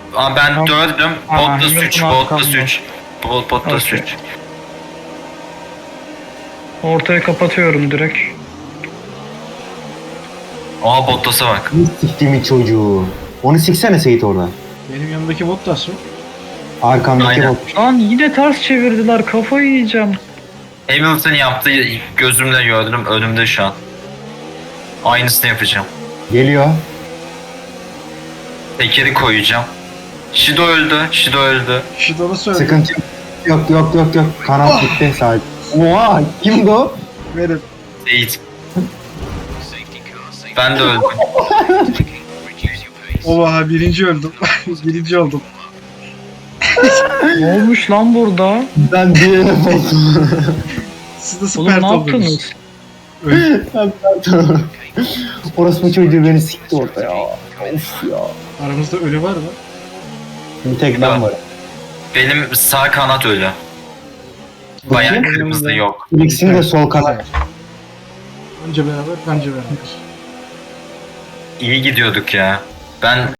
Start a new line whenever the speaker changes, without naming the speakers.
Ben dördüm. Bottas 3.
Hamilton
Bottas
arkamda.
3. Bottas
Okey.
3.
Ortayı kapatıyorum direkt.
Aa Bottas'a bak.
Siktiğimin çocuğu. Onu siksene Seyit orada.
Benim yanımdaki Bottas mı?
Arkamdaki
Aynen.
bot.
Lan yine ters çevirdiler, kafayı yiyeceğim.
Hamilton yaptığı gözümle gördüm. Önümde şu an. Aynısını yapacağım.
Geliyor.
Tekeri koyacağım. Shido öldü. Shido öldü.
Şidon'u söyledi.
Sıkıntı yok. Yok. Kanat gitti sadece. Oha kimdi o?
Benim.
Seyit. Ben de öldüm.
Oha birinci öldüm. Birinci oldum.
Ne olmuş lan burada?
Ben diğerine bozdum.
Siz de
Oğlum
süper
ne
oldunuz.
yaptınız?
Orası bu çocuğu beni sikti orada ya. Of ya.
Aramızda ölü var mı?
Bir tek ben varım.
Benim sağ kanat ölü. Bayağı kırmızı yok.
İkisinin de sol kanat.
Önce beraber, bence beraber.
İyi gidiyorduk ya. Ben